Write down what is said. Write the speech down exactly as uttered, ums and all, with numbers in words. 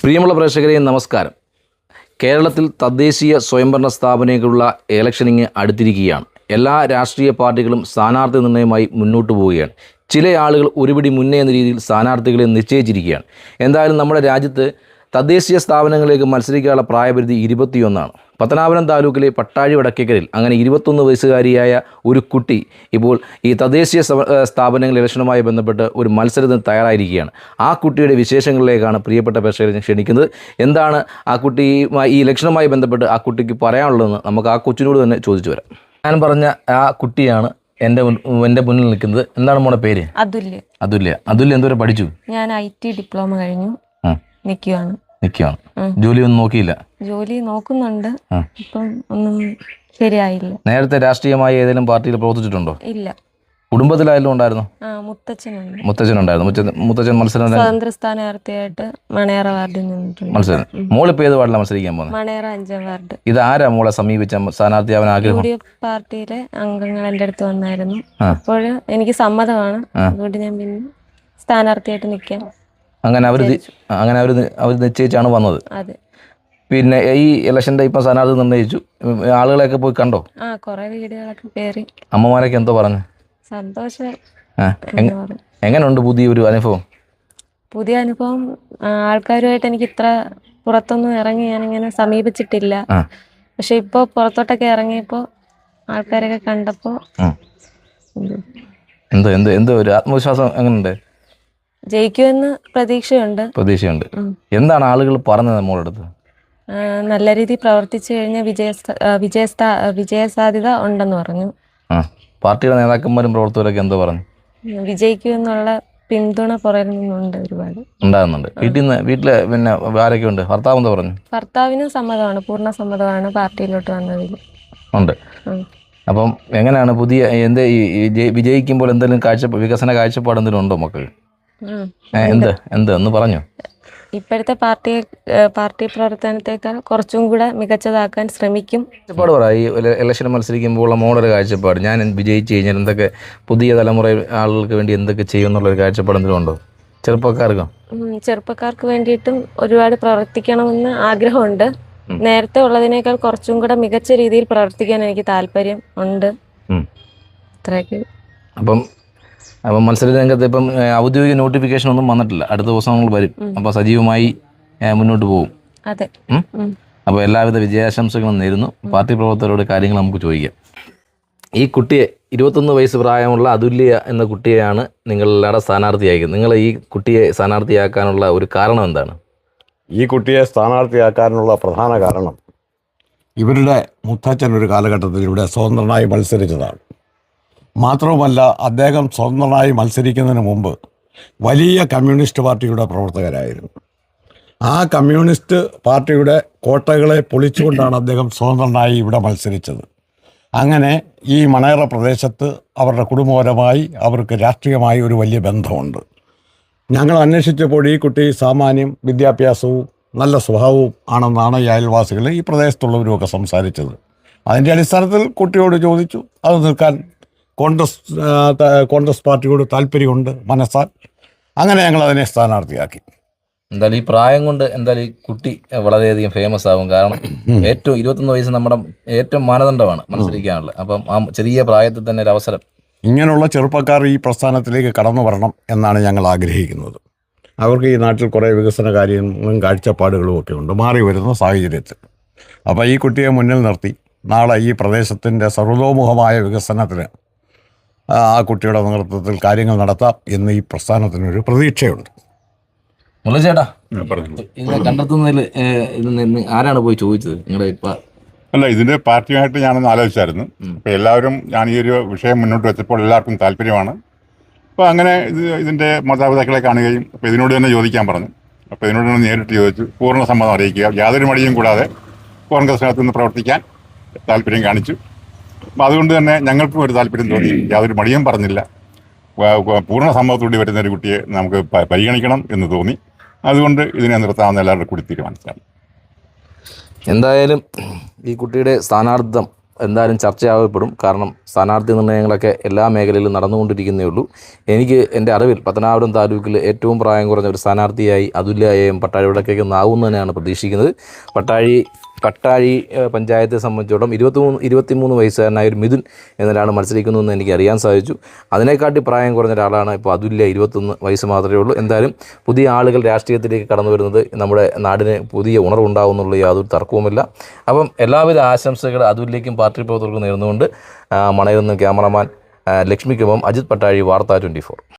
പ്രിയമുള്ള പ്രേക്ഷകരെ നമസ്കാരം. കേരളത്തിൽ തദ്ദേശീയ സ്വയംഭരണ സ്ഥാപനങ്ങളുള്ള ഇലക്ഷനിങ് അടുത്തിരിക്കുകയാണ്. എല്ലാ രാഷ്ട്രീയ പാർട്ടികളും സ്ഥാനാർത്ഥി നിർണ്ണയമായി മുന്നോട്ട് പോവുകയാണ്. ചില ആളുകൾ ഒരുപിടി മുന്നേ എന്ന രീതിയിൽ സ്ഥാനാർത്ഥികളെ നിശ്ചയിച്ചിരിക്കുകയാണ്. എന്തായാലും നമ്മുടെ രാജ്യത്ത് തദ്ദേശീയ സ്ഥാപനങ്ങളിലേക്ക് മത്സരിക്കാനുള്ള പ്രായപരിധി ഇരുപത്തിയൊന്നാണ്. പത്തനാപുരം താലൂക്കിലെ പട്ടാഴി വടക്കേക്കരയിൽ അങ്ങനെ ഇരുപത്തൊന്ന് വയസ്സുകാരിയായ ഒരു കുട്ടി ഇപ്പോൾ ഈ തദ്ദേശീയ സ്ഥാപനങ്ങൾ ഇലക്ഷനുമായി ബന്ധപ്പെട്ട് ഒരു മത്സരത്തിന് തയ്യാറായിരിക്കുകയാണ്. ആ കുട്ടിയുടെ വിശേഷങ്ങളിലേക്കാണ് പ്രിയപ്പെട്ട പ്രേക്ഷകരെ ക്ഷണിക്കുന്നത്. എന്താണ് ആ കുട്ടിയുമായി ഈ ഇലക്ഷനുമായി ബന്ധപ്പെട്ട് ആ കുട്ടിക്ക് പറയാനുള്ളതെന്ന് നമുക്ക് ആ കൊച്ചിനോട് തന്നെ ചോദിച്ചു വരാം. ഞാൻ പറഞ്ഞ ആ കുട്ടിയാണ് എൻ്റെ എൻ്റെ മുന്നിൽ നിൽക്കുന്നത്. എന്താണ് മോളെ പേര്? അതുല്യ. അതുല്യ. അതുല്യ എന്തോരം പഠിച്ചു? ഞാൻ ഐ ടി ഡിപ്ലോമ കഴിഞ്ഞു നിൽക്കുകയാണ്. നിൽക്കുകയാണ്. ജോലി ഒന്നും നോക്കിയില്ല? ജോലി നോക്കുന്നുണ്ട്, ഇപ്പം ഒന്നും ശരിയായില്ല. നേരത്തെ രാഷ്ട്രീയമായി ഏതെങ്കിലും പാർട്ടിയിൽ പ്രവർത്തിച്ചിട്ടുണ്ടോ? ഇല്ല. കുടുംബത്തിലായാലും ഉണ്ടായിരുന്നു? മുത്തച്ഛനുണ്ട്. മുത്തച്ഛനുണ്ടായിരുന്നു. മുത്തച്ഛൻ മത്സരം സ്വതന്ത്ര സ്ഥാനാർത്ഥിയായിട്ട് മണേറ വാർഡിൽ നിന്നിട്ടുണ്ട്. മത്സരം. മോളിപ്പോ ഏത് വാർഡിലാണ് മത്സരിക്കാൻ പോകുന്നത്? മണേറ അഞ്ചാം വാർഡ്. ഇത് ആരാ മോളെ സമീപിച്ച സ്ഥാനാർത്ഥിയാവാൻ ആഗ്രഹം? യു ഡി എഫ് പാർട്ടിയിലെ അംഗങ്ങൾ എൻ്റെ അടുത്ത് വന്നായിരുന്നു. അപ്പോൾ എനിക്ക് സമ്മതമാണ്. അതുകൊണ്ട് ഞാൻ പിന്നെ സ്ഥാനാർത്ഥിയായിട്ട് നിൽക്കാം. അങ്ങനെ അവർ അങ്ങനെ അവർ അവർ നിശ്ചയിച്ചാണ് വന്നത്. അതെ. പിന്നെ ഈ ഇലക്ഷൻ്റെ ഇപ്പം സ്ഥാനാർത്ഥി നിർണ്ണയിച്ചു. ആളുകളെയൊക്കെ പോയി കണ്ടോ? ആ, കുറെ വീടുകളൊക്കെ കയറി. അമ്മമാരൊക്കെ എന്തോ പറഞ്ഞു? സന്തോഷം. എങ്ങനെയുണ്ട് പുതിയ ഒരു അനുഭവം? പുതിയ അനുഭവം, ആൾക്കാരുമായിട്ട് എനിക്ക് ഇത്ര പുറത്തൊന്നും ഇറങ്ങി ഞാനിങ്ങനെ സമീപിച്ചിട്ടില്ല. പക്ഷെ ഇപ്പോൾ പുറത്തോട്ടൊക്കെ ഇറങ്ങിയപ്പോൾ ആൾക്കാരൊക്കെ കണ്ടപ്പോൾ എന്തോ എന്തോ എന്തോ ഒരു ആത്മവിശ്വാസം എങ്ങനെയുണ്ട്? ജയിക്കുമെന്ന് പ്രതീക്ഷയുണ്ട്. പ്രതീക്ഷയുണ്ട്. എന്താണ് ആളുകൾ പറഞ്ഞത് നമ്മളുടെ അടുത്ത്? നല്ല രീതിയിൽ പ്രവർത്തിച്ചു കഴിഞ്ഞാൽ വിജയ വിജയ വിജയസാധ്യത ഉണ്ടെന്ന് പറഞ്ഞു. പാർട്ടിയുടെ നേതാക്കന്മാരും പ്രവർത്തകരൊക്കെ എന്തോ പറഞ്ഞു? വിജയിക്കുമെന്നുള്ള പിന്തുണ പുറകിൽ നിന്നുണ്ട്, ഒരുപാട് ഉണ്ടാകുന്നുണ്ട്. വീട്ടിൽ നിന്ന് വീട്ടില് പിന്നെ ആരൊക്കെ ഉണ്ട്? ഭർത്താവ് എന്താ പറഞ്ഞു? ഭർത്താവിനും സമ്മതമാണ്, പൂർണ്ണ സമ്മതമാണ് പാർട്ടിയിലോട്ട് വന്നതിൽ ഉണ്ട്. അപ്പം എങ്ങനെയാണ് പുതിയ എന്ത് വിജയിക്കുമ്പോൾ എന്തെങ്കിലും കാഴ്ച വികസന കാഴ്ചപ്പാട് എന്തെങ്കിലും ഉണ്ടോ മക്കൾ? എന്ത് എന്ത് ഒന്ന് പറഞ്ഞു. ഇപ്പോഴത്തെ പാർട്ടി പാർട്ടി പ്രവർത്തനത്തെക്കാൾ കുറച്ചും കൂടെ മികച്ചതാക്കാൻ ശ്രമിക്കും. കാഴ്ചപ്പാട് പറ. ഈ ഇലക്ഷൻ മത്സരിക്കുമ്പോൾ മോഡൽ കാഴ്ചപ്പാട്, ഞാൻ വിജയിച്ചു കഴിഞ്ഞാൽ എന്തൊക്കെ പുതിയ തലമുറ ആളുകൾക്ക് വേണ്ടി എന്തൊക്കെ ചെയ്യും എന്നുള്ളൊരു കാഴ്ചപ്പാട് എന്തെങ്കിലും ഉണ്ടോ ചെറുപ്പക്കാർക്ക്? ചെറുപ്പക്കാർക്ക് വേണ്ടിയിട്ടും ഒരുപാട് പ്രവർത്തിക്കണമെന്ന് ആഗ്രഹമുണ്ട്. നേരത്തെ ഉള്ളതിനേക്കാൾ കുറച്ചും കൂടെ മികച്ച രീതിയിൽ പ്രവർത്തിക്കാൻ എനിക്ക് താല്പര്യം ഉണ്ട്. അത്രയൊക്കെ. അപ്പം അപ്പം മത്സര രംഗത്ത് ഇപ്പം ഔദ്യോഗിക നോട്ടിഫിക്കേഷൻ ഒന്നും വന്നിട്ടില്ല. അടുത്ത ദിവസങ്ങൾ വരും. അപ്പോൾ സജീവമായി മുന്നോട്ട് പോകും. അതെ. അപ്പോൾ എല്ലാവിധ വിജയാശംസകളും നേരുന്നു. പാർട്ടി പ്രവർത്തകരോട് കാര്യങ്ങൾ നമുക്ക് ചോദിക്കാം. ഈ കുട്ടിയെ, ഇരുപത്തൊന്ന് വയസ്സ് പ്രായമുള്ള അതുല്യ എന്ന കുട്ടിയെയാണ് നിങ്ങളെല്ലാവരുടെ സ്ഥാനാർത്ഥിയാക്കുന്നത്. നിങ്ങൾ ഈ കുട്ടിയെ സ്ഥാനാർത്ഥിയാക്കാനുള്ള ഒരു കാരണം എന്താണ്? ഈ കുട്ടിയെ സ്ഥാനാർത്ഥിയാക്കാനുള്ള പ്രധാന കാരണം, ഇവരുടെ മുത്തച്ഛൻ ഒരു കാലഘട്ടത്തിൽ ഇവിടെ സ്വതന്ത്രനായി മത്സരിച്ചതാണ്. മാത്രവുമല്ല, അദ്ദേഹം സ്വതന്ത്രനായി മത്സരിക്കുന്നതിന് മുമ്പ് വലിയ കമ്മ്യൂണിസ്റ്റ് പാർട്ടിയുടെ പ്രവർത്തകരായിരുന്നു. ആ കമ്മ്യൂണിസ്റ്റ് പാർട്ടിയുടെ കോട്ടകളെ പൊളിച്ചുകൊണ്ടാണ് അദ്ദേഹം സ്വതന്ത്രനായി ഇവിടെ മത്സരിച്ചത്. അങ്ങനെ ഈ മണേറ പ്രദേശത്ത് അവരുടെ കുടുംബപരമായി അവർക്ക് രാഷ്ട്രീയമായി ഒരു വലിയ ബന്ധമുണ്ട്. ഞങ്ങൾ അന്വേഷിച്ചപ്പോൾ ഈ കുട്ടി സാമാന്യം വിദ്യാഭ്യാസവും നല്ല സ്വഭാവവും ആണെന്നാണ് ഈ അയൽവാസികൾ, ഈ പ്രദേശത്തുള്ളവരുമൊക്കെ സംസാരിച്ചത്. അതിൻ്റെ അടിസ്ഥാനത്തിൽ കുട്ടിയോട് ചോദിച്ചു. അത് നിൽക്കാൻ കോൺഗ്രസ് കോൺഗ്രസ് പാർട്ടിയോട് താല്പര്യമുണ്ട് മനസ്സാൽ. അങ്ങനെ ഞങ്ങൾ അതിനെ സ്ഥാനാർത്ഥിയാക്കി. എന്തായാലും ഈ പ്രായം കൊണ്ട് എന്തായാലും ഈ കുട്ടി വളരെയധികം ഫേമസ് ആകും. കാരണം ഏറ്റവും ഇരുപത്തൊന്ന് വയസ്സ് നമ്മുടെ ഏറ്റവും മാനദണ്ഡമാണ് മത്സരിക്കാനുള്ളത്. അപ്പം ആ ചെറിയ പ്രായത്തിൽ തന്നെ ഒരു അവസരം, ഇങ്ങനെയുള്ള ചെറുപ്പക്കാർ ഈ പ്രസ്ഥാനത്തിലേക്ക് കടന്നു വരണം എന്നാണ് ഞങ്ങൾ ആഗ്രഹിക്കുന്നത്. അവർക്ക് ഈ നാട്ടിൽ കുറേ വികസന കാര്യങ്ങളും കാഴ്ചപ്പാടുകളും ഒക്കെ ഉണ്ട് മാറി വരുന്ന സാഹചര്യത്തിൽ. അപ്പോൾ ഈ കുട്ടിയെ മുന്നിൽ നിർത്തി നാളെ ഈ പ്രദേശത്തിൻ്റെ സർവതോമുഖമായ വികസനത്തിന് ആ കുട്ടിയുടെ നേതൃത്വത്തിൽ കാര്യങ്ങൾ നടത്താം എന്ന് ഈ പ്രസ്ഥാനത്തിനൊരു പ്രതീക്ഷയുണ്ട്. മുരളിച്ചേട്ടാ, ഇതിനെ കണ്ടെത്തുന്നതിൽ ആരാണ് പോയി ചോദിച്ചത്? നിങ്ങളുടെ ഇപ്പം അല്ല, ഇതിൻ്റെ പാർട്ടിയുമായിട്ട് ഞാനൊന്ന് ആലോചിച്ചായിരുന്നു. അപ്പോൾ എല്ലാവരും ഞാൻ ഈ ഒരു വിഷയം മുന്നോട്ട് വെച്ചപ്പോൾ എല്ലാവർക്കും താല്പര്യമാണ്. അപ്പോൾ അങ്ങനെ ഇത് ഇതിൻ്റെ മാതാപിതാക്കളെ കാണുകയും അപ്പോൾ ഇതിനോട് തന്നെ ചോദിക്കാൻ പറഞ്ഞു. അപ്പോൾ ഇതിനോട് തന്നെ നേരിട്ട് ചോദിച്ചു. പൂർണ്ണ സമ്മതം അറിയിക്കുക, യാതൊരു മടിയും കൂടാതെ കോൺഗ്രസിനകത്ത് നിന്ന് പ്രവർത്തിക്കാൻ താല്പര്യം കാണിച്ചു. അപ്പോൾ അതുകൊണ്ട് തന്നെ ഞങ്ങൾക്കും ഒരു താല്പര്യം തോന്നി. യാതൊരു മടിയും പറഞ്ഞില്ല. പൂർണ്ണ സമ്മതത്തോടെ വരുന്ന ഒരു കുട്ടിയെ നമുക്ക് പരിഗണിക്കണം എന്ന് തോന്നി. അതുകൊണ്ട് ഇതിനെ നിർത്താമെന്ന് എല്ലാവരുടെ കൂടി തീരുമാനിച്ചാണ്. എന്തായാലും ഈ കുട്ടിയുടെ സ്ഥാനാർത്ഥിത്വം എന്തായാലും ചർച്ചയാകപ്പെടും. കാരണം സ്ഥാനാർത്ഥി നിർണ്ണയങ്ങളൊക്കെ എല്ലാ മേഖലയിലും നടന്നുകൊണ്ടിരിക്കുന്നേ ഉള്ളൂ. എനിക്ക് എൻ്റെ അറിവിൽ പത്തനാപുരം താലൂക്കിൽ ഏറ്റവും പ്രായം കുറഞ്ഞ ഒരു സ്ഥാനാർത്ഥിയായി അതുല്യയും പട്ടാഴി വടക്കേക്ക് നാവും തന്നെയാണ് പ്രതീക്ഷിക്കുന്നത്. പട്ടാഴി പട്ടാഴി പഞ്ചായത്തെ സംബന്ധിച്ചിടത്തോളം ഇരുപത്തി മൂന്ന് ഇരുപത്തി മൂന്ന് വയസ്സുകാരനായ ഒരു മിഥുൻ എന്നൊരാൾ മത്സരിക്കുന്നതെന്ന് എനിക്ക് അറിയാൻ സാധിച്ചു. അതിനെക്കാട്ടി പ്രായം കുറഞ്ഞ ഒരാളാണ് ഇപ്പോൾ അതുല്യ, ഇരുപത്തൊന്ന് വയസ്സ് മാത്രമേ ഉള്ളൂ. എന്തായാലും പുതിയ ആളുകൾ രാഷ്ട്രീയത്തിലേക്ക് കടന്നു വരുന്നത് നമ്മുടെ നാടിന് പുതിയ ഉണർവുണ്ടാകുന്നുള്ള യാതൊരു തർക്കവുമില്ല. അപ്പം എല്ലാവിധ ആശംസകൾ അതുല്യയ്ക്കും പാർട്ടി പ്രവർത്തകർക്കും നേർന്നുകൊണ്ട് മണയിൽ നിന്ന് ക്യാമറമാൻ ലക്ഷ്മിക്കൊപ്പം അജിത് പട്ടാഴി, വാർത്ത ട്വൻറ്റി ഫോർ.